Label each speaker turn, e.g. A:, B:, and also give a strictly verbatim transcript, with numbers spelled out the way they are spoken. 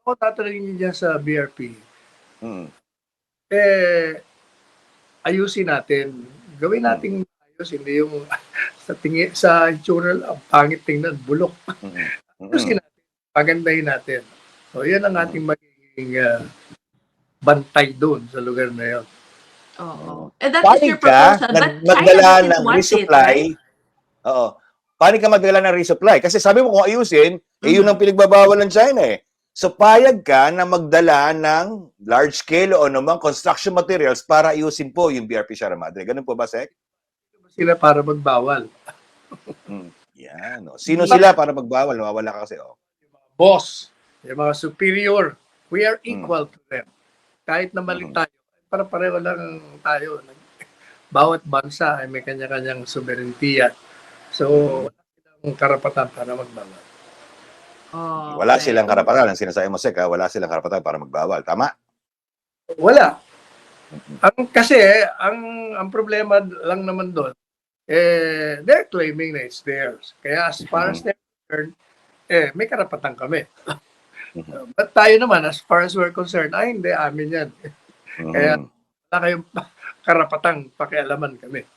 A: ako tatanungin niyo diyan sa B R P,
B: Mm.
A: eh, ayusin natin. Gawin
B: Mm.
A: nating ayos, hindi yung sa tingi sa itsura lang, ang pangit tingnan, bulok.
B: Mm.
A: Ayusin
B: Mm.
A: natin, pagandahin natin. So, yan ang
B: Mm.
A: ating magiging, ah, bantay do'n sa lugar na yun.
B: Oo.
C: Oo. And that is your
B: Panig ka
C: proposal,
B: nag
C: but China
B: magdala
C: doesn't
B: ng
C: want it,
B: resupply
C: right?
B: oo. Panig ka magdala ng resupply? Kasi sabi mo kung ayusin, eh, yun ang
C: Mhm.
B: pinagbabawal ng China, eh. So, payag ka na magdala ng large scale o anumang construction materials para ayusin po yung B R P Sierra Madre. Gano'n po ba, Sec?
A: Sila para magbawal.
B: Hmm, 'yan, oh. Sino
C: Yeah.
B: sila para magbawal? Nawawala ka kasi, oh.
A: Boss, yung mga superior, we are
B: Hmm.
A: equal to them. Kahit na mali
B: Mhm.
A: tayo, para-pareho lang tayo. Bawat bansa ay may kanya-kanyang sobereintiya. So,
B: Mhm.
A: wala silang karapatan para magbawal.
B: Wala
C: Okey.
B: silang karapatan, ang sinasabi mo, Sec, ah, wala silang karapatan para magbawal, tama?
A: Wala.
B: Mm.
A: Ang kasi ang ang problema lang naman do'n, eh, they're claiming na it's theirs. Kaya as far as
B: Mhm.
A: they're concerned, eh, may karapatan kami.
B: Mhm.
A: But tayo naman, as far as we're concerned, ay hindi, amin yan. Kaya
B: Mhm.
A: wala kayong karapatang pakialaman kami.